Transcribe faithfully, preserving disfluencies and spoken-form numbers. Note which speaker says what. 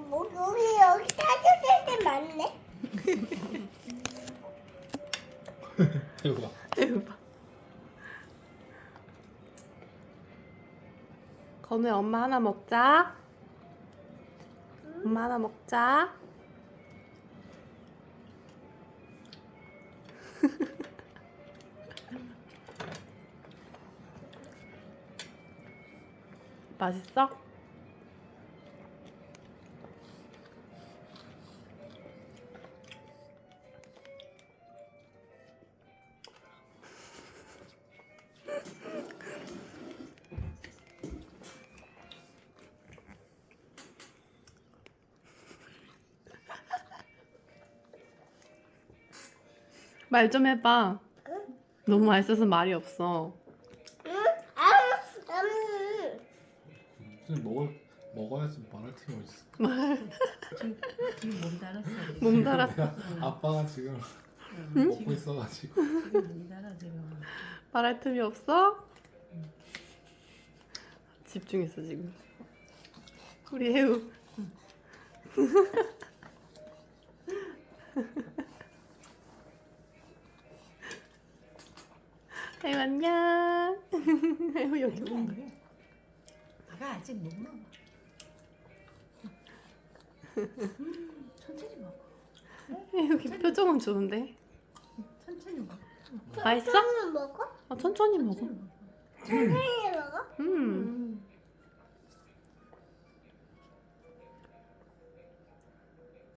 Speaker 1: 뭐 여기 여기 따뜻할 때 많네.
Speaker 2: 이거 봐.
Speaker 3: 이거 봐. 건우야 엄마 하나 먹자. 엄마 하나 먹자. 맛있어? 말 좀 해봐.
Speaker 1: 응?
Speaker 3: 너무 맛있어서 말이 없어.
Speaker 1: 응? 아, 음.
Speaker 2: 무슨 먹을 먹어야지 말할 틈이 어딨어.
Speaker 4: 지금, 지금 몸 달았어.
Speaker 3: 몸 달았어.
Speaker 2: 아빠가 지금
Speaker 4: 응?
Speaker 2: 먹고 있어가지고.
Speaker 4: 지금 몸 달아 지금.
Speaker 3: 말할 틈이 없어? 집중했어 지금. 우리 혜우. 혜우 안녕. 혜우 여기
Speaker 4: 아니야,
Speaker 3: 온다.
Speaker 4: 아니야. 아가 아직 못 먹어. 음, 천천히 먹어.
Speaker 3: 여기 표정은 좋은데.
Speaker 4: 천천히 먹어.
Speaker 3: 맛있어?
Speaker 1: 천천히 먹어?
Speaker 3: 어, 천천히 먹어.
Speaker 4: 천천히 먹어.
Speaker 1: 천천히 먹어?
Speaker 3: 음.